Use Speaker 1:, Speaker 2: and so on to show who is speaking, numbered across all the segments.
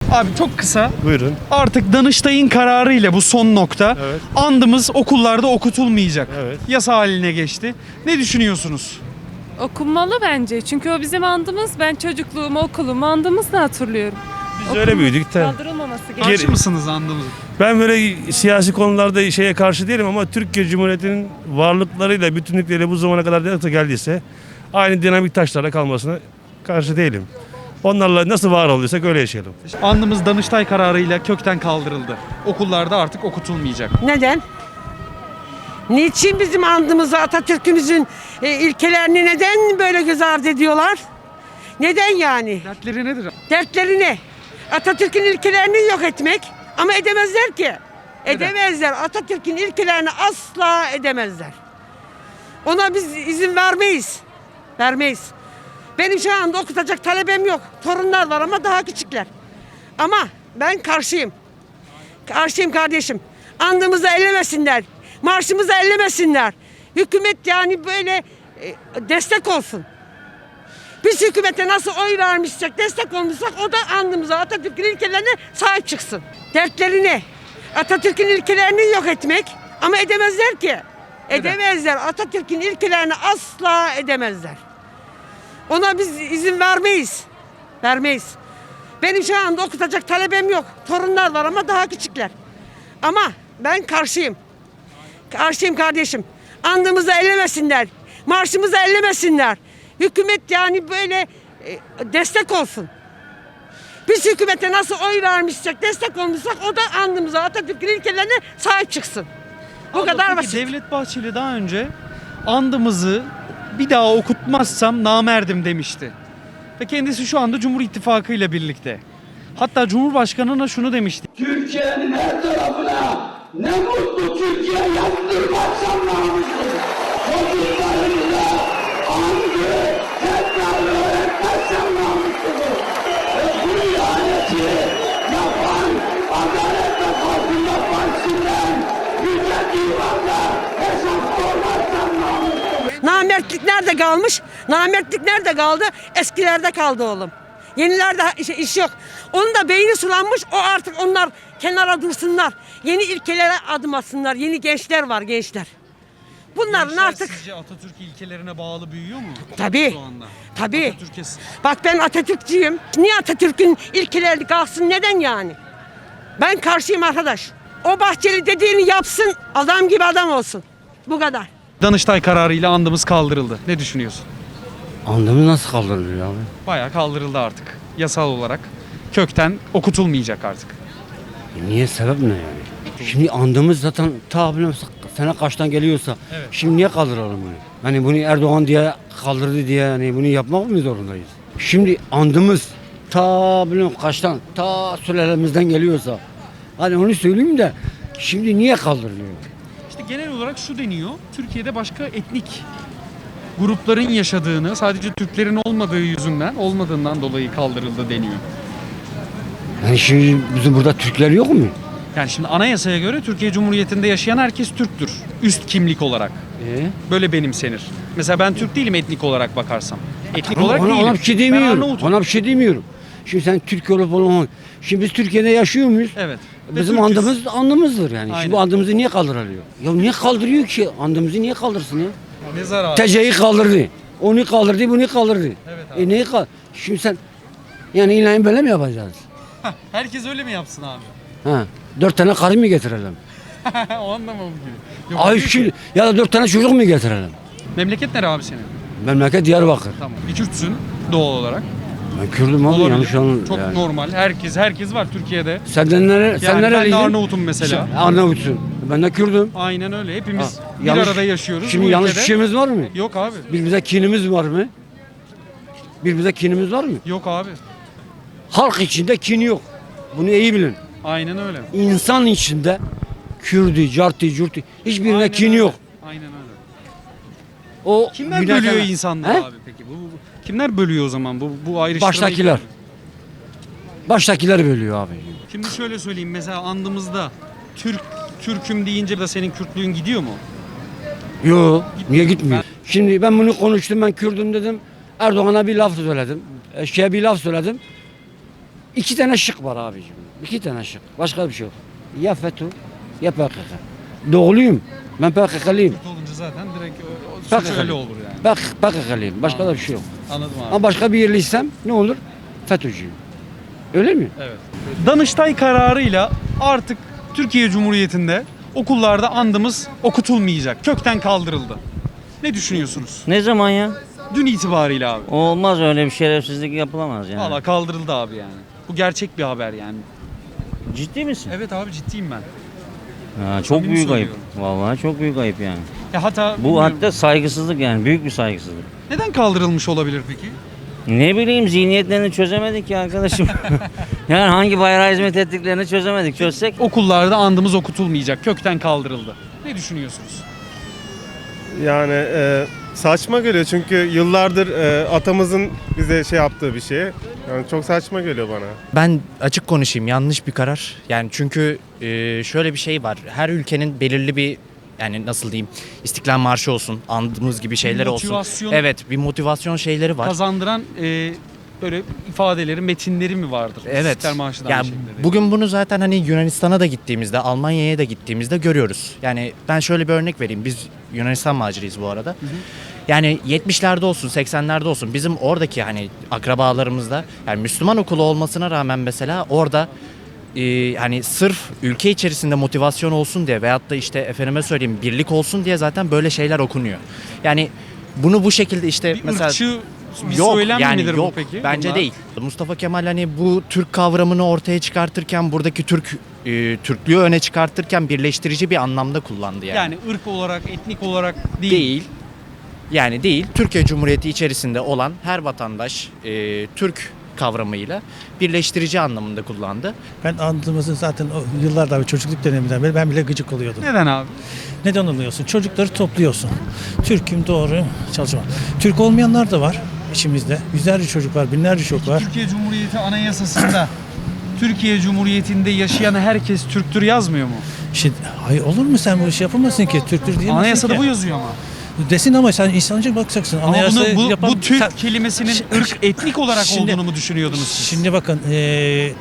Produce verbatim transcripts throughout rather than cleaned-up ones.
Speaker 1: Abi çok kısa.
Speaker 2: Buyurun.
Speaker 1: Artık Danıştay'ın kararıyla bu son nokta.
Speaker 2: Evet.
Speaker 1: Andımız okullarda okutulmayacak.
Speaker 2: Evet.
Speaker 1: Yasa haline geçti. Ne düşünüyorsunuz?
Speaker 3: Okunmalı bence. Çünkü o bizim andımız. Ben çocukluğumu, okulumu andımızla hatırlıyorum.
Speaker 2: Biz öyle büyüdük de.
Speaker 3: Kaldırılmaması gerekiyor.
Speaker 1: Karşı
Speaker 2: Geri-
Speaker 1: mısınız andımızın?
Speaker 2: Ben böyle siyasi konularda şeye karşı değilim ama Türkiye Cumhuriyeti'nin varlıklarıyla, bütünlükleriyle bu zamana kadar nasıl geldiyse aynı dinamik taşlara kalmasına karşı değilim. Onlarla nasıl var oluyorsak öyle yaşayalım.
Speaker 1: Andımız Danıştay kararıyla kökten kaldırıldı. Okullarda artık okutulmayacak.
Speaker 4: Neden? Niçin bizim andımızı, Atatürk'ümüzün e, ilkelerini neden böyle göz ardı ediyorlar? Neden yani?
Speaker 1: Dertleri nedir?
Speaker 4: Dertleri ne? Atatürk'ün ilkelerini yok etmek ama edemezler ki. Edemezler. Atatürk'ün ilkelerini asla edemezler. Ona biz izin vermeyiz. Vermeyiz. Benim şu anda okutacak talebem yok. Torunlar var ama daha küçükler. Ama ben karşıyım. Karşıyım kardeşim. Andımızı ellemesinler. Marşımızı ellemesinler. Hükümet yani böyle e, destek olsun. Biz hükümete nasıl oy vermişsek, destek olmuşsak o da andımıza, Atatürk'ün ilkelerine sahip çıksın. Dertleri ne? Atatürk'ün ilkelerini yok etmek ama edemezler ki. Edemezler. Atatürk'ün ilkelerini asla edemezler. Ona biz izin vermeyiz. Vermeyiz. Benim şu anda okutacak talebem yok. Torunlar var ama daha küçükler. Ama ben karşıyım. Karşıyım kardeşim. Andımızı ellemesinler. Marşımızı ellemesinler. Hükümet yani böyle e, destek olsun. Biz hükümete nasıl oy vermişsek, destek olmuşsak o da andımıza, Atatürk'ün ilkelerine sahip çıksın. Bu
Speaker 1: Abla,
Speaker 4: kadar
Speaker 1: peki
Speaker 4: basit.
Speaker 1: Devlet Bahçeli daha önce andımızı bir daha okutmazsam namerdim demişti. Ve kendisi şu anda Cumhur İttifakı ile birlikte. Hatta Cumhurbaşkanı'na şunu demişti.
Speaker 5: Türkiye'nin her tarafına ne mutlu Türkiye yazdırmazsam namussuz. Çocuklarımıza andı, tekrarı öğretmezsem namussuzum. Ve bu ihaneti yapan Adalet ve Kalkınma Partisi'nden Yüce Divan'da hesap sormazsam namussuzum.
Speaker 4: Namertlik nerede kalmış? Namertlik nerede kaldı? Eskilerde kaldı oğlum. Yenilerde iş, iş yok. Onun da beyni sulanmış. O artık onlar kenara dursunlar. Yeni ilkelere adım atsınlar. Yeni gençler var gençler. Bunların
Speaker 1: Gençler
Speaker 4: artık
Speaker 1: sizce Atatürk ilkelerine bağlı büyüyor mu?
Speaker 4: Tabii.
Speaker 1: Şu anda.
Speaker 4: Tabii.
Speaker 1: Atatürk'e
Speaker 4: Bak ben Atatürkçüyüm. Niye Atatürk'ün ilkeleri kalksın? Neden yani? Ben karşıyım arkadaş. O Bahçeli dediğini yapsın. Adam gibi adam olsun. Bu kadar.
Speaker 1: Danıştay kararıyla andımız kaldırıldı. Ne düşünüyorsun?
Speaker 6: Andımız nasıl kaldırılıyor abi?
Speaker 1: Bayağı kaldırıldı artık. Yasal olarak. Kökten okutulmayacak artık.
Speaker 6: E niye, sebep ne yani? Şimdi andımız zaten ta bilmem sene kaçtan geliyorsa
Speaker 1: Evet.
Speaker 6: şimdi niye kaldıralım bunu? Hani bunu Erdoğan diye kaldırdı diye hani bunu yapmak mı zorundayız? Şimdi andımız ta bilmem kaçtan, ta sülalemizden geliyorsa hani onu söyleyeyim de şimdi niye kaldırılıyor?
Speaker 1: İşte genel olarak şu deniyor. Türkiye'de başka etnik grupların yaşadığını, sadece Türklerin olmadığı yüzünden, olmadığından dolayı kaldırıldı deniyor.
Speaker 6: Yani şimdi bizim burada Türkler yok mu?
Speaker 1: Yani şimdi anayasaya göre Türkiye Cumhuriyeti'nde yaşayan herkes Türktür. Üst kimlik olarak.
Speaker 6: E?
Speaker 1: Böyle benimsenir. Mesela ben Türk değilim etnik olarak bakarsam. Etnik
Speaker 6: Ona,
Speaker 1: olarak
Speaker 6: ona,
Speaker 1: değilim.
Speaker 6: ona bir şey
Speaker 1: Ben
Speaker 6: demiyorum.
Speaker 1: Arnavut'um.
Speaker 6: Ona bir şey demiyorum. Şimdi sen Türk olup olmamak. Şimdi biz Türkiye'de yaşıyor muyuz?
Speaker 1: Evet. Ve
Speaker 6: Bizim
Speaker 1: Türk'üz.
Speaker 6: andımız andımızdır yani.
Speaker 1: Aynen.
Speaker 6: Şimdi bu andımızı niye kaldırılıyor? Ya niye kaldırıyor ki? Andımızı niye kaldırsın ya?
Speaker 1: Ne zararı?
Speaker 6: T C'yi kaldırdı. Onu kaldırdı, bunu kaldırdı.
Speaker 1: Evet abi.
Speaker 6: E neyi kal? Şimdi sen yani ilan böyle mi yapacağız?
Speaker 1: Herkes öyle mi yapsın abi?
Speaker 6: Ha. Dört tane karı mı getirelim?
Speaker 1: O anlamı mı gibi? Yok,
Speaker 6: Ay
Speaker 1: değil ki.
Speaker 6: şimdi ya da dört tane çocuk mu getirelim?
Speaker 1: Memleket nere abi senin?
Speaker 6: Memleket Diyarbakır.
Speaker 1: Tamam. Bir Kürtsün doğal olarak.
Speaker 6: Ben Kürdüm abi
Speaker 1: Olabilir.
Speaker 6: yanlış anladın.
Speaker 1: Çok
Speaker 6: yani.
Speaker 1: normal. Herkes herkes var Türkiye'de.
Speaker 6: Senden nere? Sen
Speaker 1: Yani ben de
Speaker 6: nereliydin?
Speaker 1: Arnavut'um mesela.
Speaker 6: Sen Arnavutsun. Ben de Kürdüm.
Speaker 1: Aynen öyle. Hepimiz
Speaker 6: Ha,
Speaker 1: bir
Speaker 6: yanlış-
Speaker 1: arada yaşıyoruz.
Speaker 6: Şimdi
Speaker 1: bu
Speaker 6: yanlış
Speaker 1: ülkede.
Speaker 6: bir şeyimiz var mı?
Speaker 1: Yok abi.
Speaker 6: Birbirimize kinimiz var mı? Birbirimize kinimiz var mı?
Speaker 1: Yok abi.
Speaker 6: Halk içinde kin yok. Bunu iyi bilin.
Speaker 1: Aynen öyle.
Speaker 6: İnsan içinde Kürdü, cartı, curtu hiçbirine
Speaker 1: Aynen
Speaker 6: kin
Speaker 1: öyle.
Speaker 6: yok.
Speaker 1: Aynen öyle.
Speaker 6: O
Speaker 1: Kimler
Speaker 6: günah
Speaker 1: bölüyor
Speaker 6: kana-
Speaker 1: insanları
Speaker 6: He?
Speaker 1: abi peki? Bu, bu- kimler bölüyor o zaman bu bu ayrıştırmayı?
Speaker 6: Baştakiler. Baştakiler bölüyor abi.
Speaker 1: Şimdi şöyle söyleyeyim, mesela andımızda Türk Türk'üm deyince de senin Kürtlüğün gidiyor mu?
Speaker 6: Yo, niye gitmiyor? Şimdi ben bunu konuştum, ben Kürdüm dedim. Erdoğan'a bir laf söyledim. Eşeğe bir laf söyledim. İki tane şık var abicim. İki tane şık. Başka bir şey yok. Ya FETÖ ya P K K. Doğuluyum. Ben P K K'lıyım.
Speaker 1: olunca zaten direkt
Speaker 6: P K K'lıyım.
Speaker 1: öyle olur yani.
Speaker 6: Ben P K K'lıyım. Başka da bir şey yok.
Speaker 1: Anladım abi.
Speaker 6: Ama başka bir yerliysem ne olur? FETÖ'cüyüm. Öyle mi?
Speaker 1: Evet. Danıştay kararıyla artık Türkiye Cumhuriyeti'nde okullarda andımız okutulmayacak. Kökten kaldırıldı. Ne düşünüyorsunuz?
Speaker 7: Ne zaman ya?
Speaker 1: Dün itibariyle abi.
Speaker 7: Olmaz öyle bir şerefsizlik yapılamaz yani.
Speaker 1: Valla kaldırıldı abi yani. Bu gerçek bir haber yani.
Speaker 7: Ciddi misin?
Speaker 1: Evet abi ciddiyim ben.
Speaker 7: Ha, çok
Speaker 1: Samimi
Speaker 7: büyük ayıp.
Speaker 1: söylüyorum.
Speaker 7: Vallahi çok büyük ayıp yani.
Speaker 1: Ya hatta
Speaker 7: Bu
Speaker 1: bilmiyorum.
Speaker 7: hatta saygısızlık yani büyük bir saygısızlık.
Speaker 1: Neden kaldırılmış olabilir peki?
Speaker 7: Ne bileyim zihniyetlerini çözemedik ya arkadaşım. Yani hangi bayrağa hizmet ettiklerini çözemedik. Çözsek
Speaker 1: Okullarda andımız okutulmayacak. Kökten kaldırıldı. Ne düşünüyorsunuz?
Speaker 8: Yani e, saçma geliyor çünkü yıllardır e, atamızın bize şey yaptığı bir şey. Yani çok saçma geliyor bana.
Speaker 9: Ben açık konuşayım, yanlış bir karar. Yani çünkü e, şöyle bir şey var. Her ülkenin belirli bir, yani nasıl diyeyim, İstiklal Marşı olsun, andığımız gibi şeyler olsun.
Speaker 1: motivasyon-
Speaker 9: Evet, bir motivasyon şeyleri var.
Speaker 1: Kazandıran e, böyle ifadeleri, metinleri mi vardır?
Speaker 9: Evet.
Speaker 1: İstiklal Marşı da
Speaker 9: Ya
Speaker 1: aynı şekilde.
Speaker 9: bugün bunu zaten hani Yunanistan'a da gittiğimizde, Almanya'ya da gittiğimizde görüyoruz. Yani ben şöyle bir örnek vereyim. Biz Yunanistan maciriyiz bu arada. Yani yetmişlerde olsun, seksenlerde olsun bizim oradaki hani akrabalarımızda, yani Müslüman okulu olmasına rağmen mesela orada e, hani sırf ülke içerisinde motivasyon olsun diye veyahut da işte efendime söyleyeyim birlik olsun diye zaten böyle şeyler okunuyor. Yani bunu bu şekilde işte
Speaker 1: bir
Speaker 9: mesela
Speaker 1: ırkçı bir
Speaker 9: yok
Speaker 1: söylem
Speaker 9: yani
Speaker 1: midir
Speaker 9: yok
Speaker 1: bu peki?
Speaker 9: bence
Speaker 1: Bunlar?
Speaker 9: değil. Mustafa Kemal hani bu Türk kavramını ortaya çıkartırken buradaki Türk e, Türklüğü öne çıkartırken birleştirici bir anlamda kullandı yani.
Speaker 1: Yani ırk olarak, etnik olarak değil.
Speaker 9: Değil. Yani değil. Türkiye Cumhuriyeti içerisinde olan her vatandaş e, Türk kavramıyla birleştirici anlamında kullandı.
Speaker 10: Ben andığımızın zaten o yıllardan, çocukluk döneminden beri ben bile gıcık oluyordum.
Speaker 1: Neden abi?
Speaker 10: Neden oluyorsun? Çocukları topluyorsun. Türk'üm doğru çalışma. Türk olmayanlar da var içimizde. Yüzlerce çocuk var, binlerce çocuk var.
Speaker 1: Türkiye Cumhuriyeti Anayasası'nda Türkiye Cumhuriyeti'nde yaşayan herkes Türktür yazmıyor mu?
Speaker 10: Şimdi, hayır olur mu sen bu işi yapamazsın ki? Türktür diyemezsin
Speaker 1: Anayasada
Speaker 10: ki.
Speaker 1: bu yazıyor ama.
Speaker 10: Desin ama sen insancı bakacaksın.
Speaker 1: Ama
Speaker 10: Anayasayı
Speaker 1: bunu, bu,
Speaker 10: yapan-
Speaker 1: bu Türk
Speaker 10: sen-
Speaker 1: kelimesinin
Speaker 10: Şi-
Speaker 1: ırk, etnik olarak
Speaker 10: Şimdi-
Speaker 1: olduğunu mu düşünüyordunuz siz?
Speaker 10: Şimdi bakın eee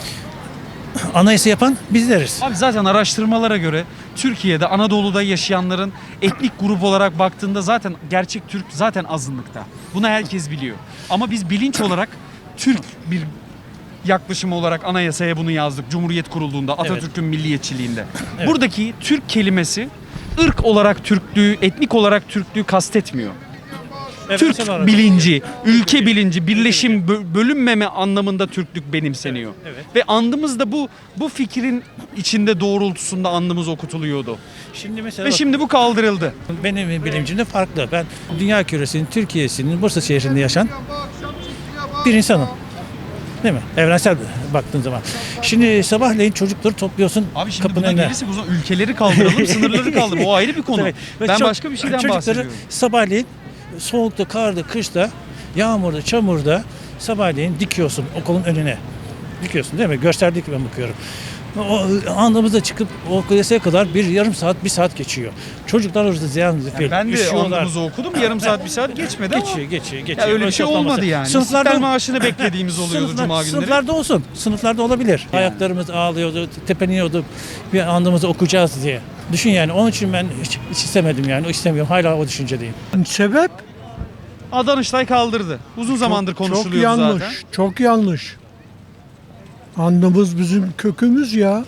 Speaker 10: anayasa yapan bizleriz.
Speaker 1: Abi zaten araştırmalara göre Türkiye'de Anadolu'da yaşayanların etnik grup olarak baktığında zaten gerçek Türk zaten azınlıkta. Bunu herkes biliyor. Ama biz bilinç olarak Türk bir yaklaşım olarak anayasaya bunu yazdık. Cumhuriyet kurulduğunda Atatürk'ün milliyetçiliğinde. Buradaki Türk kelimesi ırk olarak Türklüğü, etnik olarak Türklüğü kastetmiyor. Türk
Speaker 10: Evrensel olarak-
Speaker 1: bilinci, ülke bilinci, birleşim, bö- bölünmeme anlamında Türklük benimseniyor.
Speaker 10: Evet.
Speaker 1: Ve andımız da bu bu fikrin içinde doğrultusunda andımız okutuluyordu.
Speaker 10: Şimdi mesela
Speaker 1: Ve
Speaker 10: bak-
Speaker 1: şimdi bu kaldırıldı.
Speaker 10: Benim bilimcimde farklı. Ben dünya küresinin, Türkiye'sinin, Bursa şehrinde yaşayan bir insanım. Değil mi? Evrensel baktığın zaman. Şimdi sabahleyin çocukları topluyorsun
Speaker 1: Abi şimdi
Speaker 10: kapının
Speaker 1: buna
Speaker 10: önüne.
Speaker 1: gelirsek o zaman ülkeleri kaldıralım, sınırları kaldıralım. O ayrı bir konu.
Speaker 10: Tabii. Ve
Speaker 1: Ben
Speaker 10: çok-
Speaker 1: başka bir şeyden
Speaker 10: çocukları
Speaker 1: bahsediyorum.
Speaker 10: sabahleyin soğukta, karda, kışta, yağmurda, çamurda sabahleyin dikiyorsun okulun önüne. Dikiyorsun değil mi? Gösterdik ben bakıyorum. O andımızda çıkıp o kuleseye kadar bir yarım saat, bir saat geçiyor. Çocuklar orada ziyan zifir.
Speaker 1: Ben de
Speaker 10: üşüyorlar.
Speaker 1: andımızı okudum. Yarım saat, bir saat geçmedi ama.
Speaker 10: Geçiyor, geçiyor,
Speaker 1: Ya
Speaker 10: geçiyor.
Speaker 1: öyle bir şey
Speaker 10: Boşaltmaması.
Speaker 1: olmadı yani.
Speaker 10: Sınıflarda
Speaker 1: İstiklal Marşı'nı beklediğimiz oluyordu
Speaker 10: Sınıflar-
Speaker 1: Cuma günleri.
Speaker 10: Sınıflarda olsun. Sınıflarda olabilir. Ayaklarımız ağlıyordu, tepeniyorduk. Bir andımızı okuyacağız diye. Düşün yani. Onun için ben hiç, hiç istemedim yani. O istemiyorum. Hala o düşüncedeyim.
Speaker 11: Sebep
Speaker 1: Aa, Danıştay kaldırdı. Uzun zamandır
Speaker 11: çok
Speaker 1: konuşuluyordu
Speaker 11: yanlış.
Speaker 1: zaten.
Speaker 11: Çok yanlış. Andımız bizim kökümüz ya.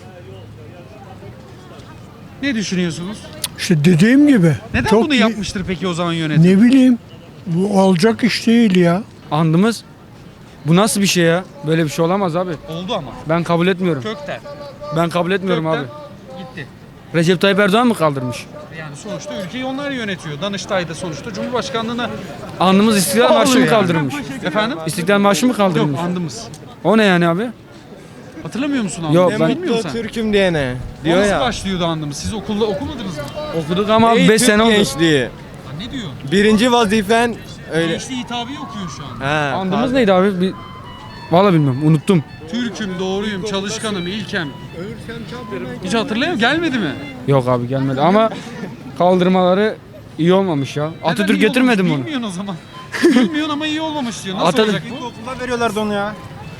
Speaker 1: Ne düşünüyorsunuz?
Speaker 11: İşte dediğim gibi.
Speaker 1: Neden
Speaker 11: çok
Speaker 1: bunu
Speaker 11: iyi-
Speaker 1: yapmıştır peki o zaman yönetim?
Speaker 11: Ne bileyim. Bu olacak iş değil ya.
Speaker 12: Andımız bu nasıl bir şey ya? Böyle bir şey olamaz abi.
Speaker 1: Oldu ama.
Speaker 12: Ben kabul etmiyorum.
Speaker 1: Kökten.
Speaker 12: Ben kabul etmiyorum
Speaker 1: Kökten
Speaker 12: abi.
Speaker 1: gitti.
Speaker 12: Recep Tayyip Erdoğan mı kaldırmış?
Speaker 1: Yani sonuçta ülkeyi onlar yönetiyor. Danıştay'da sonuçta Cumhurbaşkanlığına
Speaker 12: Andımız İstiklal
Speaker 1: Oluyor
Speaker 12: Marşı mı
Speaker 1: yani.
Speaker 12: kaldırılmış?
Speaker 1: efendim?
Speaker 12: İstiklal Marşı mı
Speaker 1: Yok
Speaker 12: kaldırılmış?
Speaker 1: andımız.
Speaker 12: O ne yani abi?
Speaker 1: Hatırlamıyor musun andımı?
Speaker 12: Yok, ben-
Speaker 1: Bilmiyor musun sen?
Speaker 8: Türk'üm diyene
Speaker 1: O nasıl başlıyordu andımız? Siz okulda okumadınız mı?
Speaker 12: Okuduk ama beş sene oldu.
Speaker 8: gençliği.
Speaker 1: Ha, ne diyor?
Speaker 8: Birinci vazifen öyle.
Speaker 1: Gençliği hitabı okuyor şu an.
Speaker 8: Ha,
Speaker 12: Andımız neydi abi? Bir... Vallahi bilmiyorum. Unuttum.
Speaker 1: Türk'üm, doğruyum, çalışkanım, ilkem. Hiç hatırlayamıyorum. Gelmedi mi?
Speaker 12: Yok abi gelmedi ama kaldırmaları iyi olmamış ya.
Speaker 1: Neden
Speaker 12: Atatürk
Speaker 1: iyi
Speaker 12: getirmedi mi
Speaker 1: olmamış?
Speaker 12: onu?
Speaker 1: Bilmiyorsun o zaman. Bilmiyorsun ama iyi olmamış diyor. Nasıl
Speaker 12: Atatürk-
Speaker 1: olacak bu?
Speaker 8: Okulda veriyorlardı onu ya.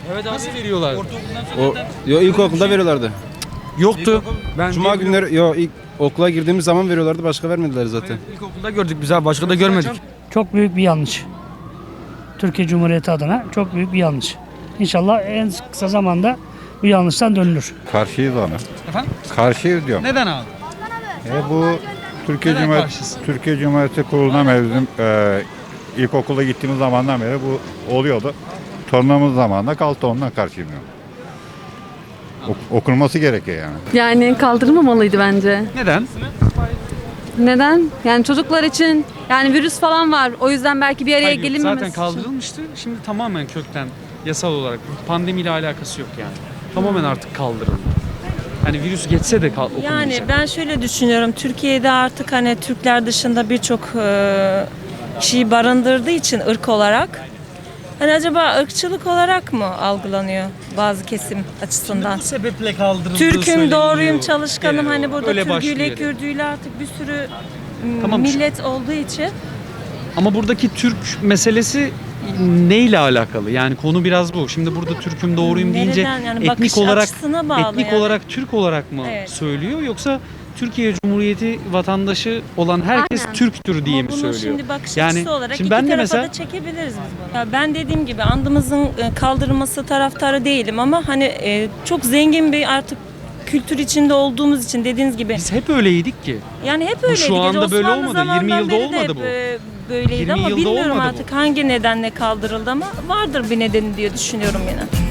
Speaker 1: Evet abi veriyorlar.
Speaker 13: O, yo, ilkokulda veriyorlardı.
Speaker 12: Yoktu. Ben
Speaker 13: Cuma günleri yo ilk okula girdiğimiz zaman veriyorlardı, başka vermediler zaten.
Speaker 12: ilkokulda gördük biz abi, başka da görmedik.
Speaker 14: Çok büyük bir yanlış. Türkiye Cumhuriyeti adına çok büyük bir yanlış. İnşallah en kısa zamanda bu yanlıştan dönülür.
Speaker 15: Karşıyız ona.
Speaker 1: Efendim?
Speaker 15: Karşıyız diyorum.
Speaker 1: Neden abi?
Speaker 15: E bu Türkiye
Speaker 1: Neden
Speaker 15: Cumhuriyeti
Speaker 1: karşısın?
Speaker 15: Türkiye Cumhuriyeti kuruluna mevzum e, ilkokula gittiğimiz zamandan beri bu oluyordu. Torunumuz zamanında kalktı, ondan karşıyım diyorum. Ok- okunması gerekiyor yani.
Speaker 16: Yani kaldırılmamalıydı bence.
Speaker 1: Neden?
Speaker 16: Neden? Yani çocuklar için yani virüs falan var. O yüzden belki bir araya
Speaker 1: Hayır, yok.
Speaker 16: gelinmemesi
Speaker 1: Zaten
Speaker 16: için.
Speaker 1: kaldırılmıştı. Şimdi tamamen kökten yasal olarak pandemiyle alakası yok yani. Tamamen artık kaldırıldı. Hani virüs geçse de kal- okunmayacak.
Speaker 17: Yani ben şöyle düşünüyorum. Türkiye'de artık hani Türkler dışında birçok e, kişiyi barındırdığı için ırk olarak hani acaba ırkçılık olarak mı algılanıyor bazı kesim açısından?
Speaker 1: Bu sebeple kaldırıldığı
Speaker 17: Türk'üm,
Speaker 1: söyleniyor.
Speaker 17: doğruyum, çalışkanım.
Speaker 1: Genel
Speaker 17: Hani
Speaker 1: olarak.
Speaker 17: burada
Speaker 1: Öyle
Speaker 17: Türküyle,
Speaker 1: başlıyor.
Speaker 17: Kürdüyle artık bir sürü m,
Speaker 1: Tamam.
Speaker 17: millet olduğu için.
Speaker 1: Ama buradaki Türk meselesi neyle alakalı? Yani konu biraz bu. Şimdi burada Türk'üm doğruyum deyince
Speaker 17: Nereden? Yani
Speaker 1: etnik
Speaker 17: bakış
Speaker 1: olarak
Speaker 17: açısına bağlı
Speaker 1: etnik
Speaker 17: yani.
Speaker 1: olarak Türk olarak mı
Speaker 17: Evet.
Speaker 1: söylüyor, yoksa Türkiye Cumhuriyeti vatandaşı olan herkes
Speaker 16: Aynen.
Speaker 1: Türktür diye
Speaker 17: Ama
Speaker 1: mi
Speaker 17: bunu
Speaker 1: söylüyor?
Speaker 17: şimdi bakış
Speaker 1: Yani
Speaker 17: açısı olarak
Speaker 1: şimdi
Speaker 17: iki
Speaker 1: ben de
Speaker 17: tarafa
Speaker 1: mesela
Speaker 17: da çekebiliriz biz bunu. Ya ben dediğim gibi andımızın e, kaldırılması taraftarı değilim ama hani e, çok zengin bir artık kültür içinde olduğumuz için dediğiniz gibi.
Speaker 1: biz hep öyleydik ki.
Speaker 17: Yani hep
Speaker 1: Bu
Speaker 17: öyleydi.
Speaker 1: şu anda böyle
Speaker 17: Osmanlı
Speaker 1: olmadı. yirmi
Speaker 17: zamanından
Speaker 1: yılda
Speaker 17: beri de
Speaker 1: olmadı
Speaker 17: hep,
Speaker 1: bu.
Speaker 17: e, böyleydi
Speaker 1: yirmi
Speaker 17: ama
Speaker 1: yılda
Speaker 17: bilmiyorum
Speaker 1: olmadı bu.
Speaker 17: artık hangi nedenle kaldırıldı ama vardır bir nedeni diye düşünüyorum yine.